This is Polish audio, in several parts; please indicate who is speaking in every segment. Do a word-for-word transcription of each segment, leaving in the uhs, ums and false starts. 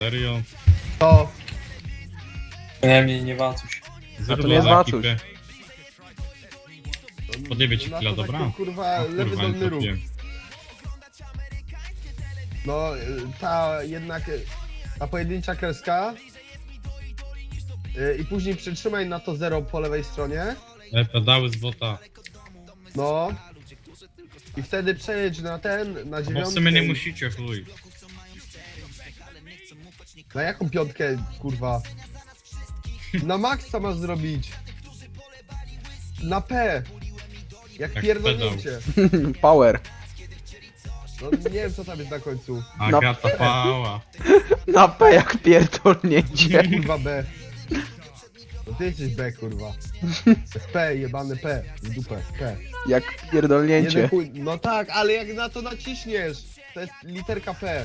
Speaker 1: Serio?
Speaker 2: To.
Speaker 3: Przynajmniej nie Wacuś.
Speaker 1: Zero
Speaker 4: to nie jest
Speaker 1: dla
Speaker 4: Wacuś.
Speaker 1: ekipy. Podjebie ci
Speaker 2: na
Speaker 1: chwila,
Speaker 2: to
Speaker 1: dobra?
Speaker 2: taki, kurwa,
Speaker 1: O,
Speaker 2: lewy
Speaker 1: kurwa, nie
Speaker 2: dolny ruch.
Speaker 1: trafiłem.
Speaker 2: No, y, ta jednak, y, ta pojedyncza kreska. Y, I później przytrzymaj na to zero po lewej stronie.
Speaker 1: E, pedały z bota.
Speaker 2: No. I wtedy przejedź na ten, na
Speaker 1: Bo w
Speaker 2: dziewiątkę.
Speaker 1: sumie nie
Speaker 2: i-
Speaker 1: musicie, chuj.
Speaker 2: Na jaką piątkę, kurwa? Na maksa masz zrobić. Na P. Jak
Speaker 1: Jak
Speaker 2: pierdolnięcie.
Speaker 4: Power.
Speaker 2: No nie wiem co tam jest na końcu.
Speaker 1: Agata pała.
Speaker 4: Na P jak pierdolnięcie.
Speaker 2: Kurwa B. No ty jesteś B, kurwa. P, jebane P. W dupę, P.
Speaker 4: Jak
Speaker 2: Jeden
Speaker 4: pierdolnięcie.
Speaker 2: chuj. No tak, ale jak na to naciśniesz, to jest literka P.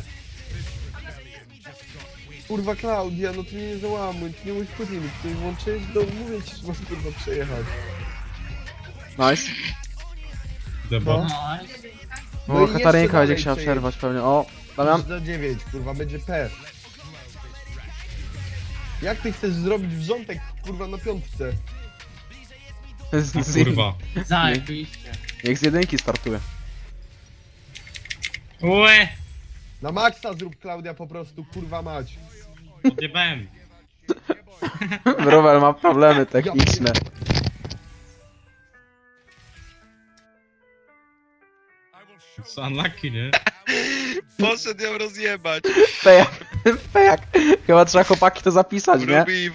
Speaker 2: Kurwa Klaudia, no ty mnie nie załamuj, ty nie musisz później mi tutaj włączyć, no mówię ci, że masz kurwa przejechać.
Speaker 4: Nice.
Speaker 1: Debot.
Speaker 2: No
Speaker 4: O,
Speaker 2: i
Speaker 4: Katarynka
Speaker 2: jeszcze
Speaker 4: będzie
Speaker 2: dalej
Speaker 4: chciała
Speaker 2: przejedź.
Speaker 4: przerwać pewnie. O, Damian.
Speaker 2: Na dziewięć, kurwa, będzie P. Jak ty chcesz zrobić wrzątek, kurwa, na piątce?
Speaker 4: Z,
Speaker 1: A
Speaker 4: z,
Speaker 1: kurwa.
Speaker 5: Zajebiście.
Speaker 4: jak z jedynki startuje.
Speaker 1: Łe!
Speaker 2: Na maksa zrób, Klaudia, po prostu, kurwa mać.
Speaker 1: Odjebałem.
Speaker 4: Rower ma problemy techniczne.
Speaker 1: Co unlucky, nie?
Speaker 6: Poszedł ją rozjebać.
Speaker 4: P jak, P jak. Chyba trzeba chłopaki to zapisać, nie?
Speaker 6: Ruby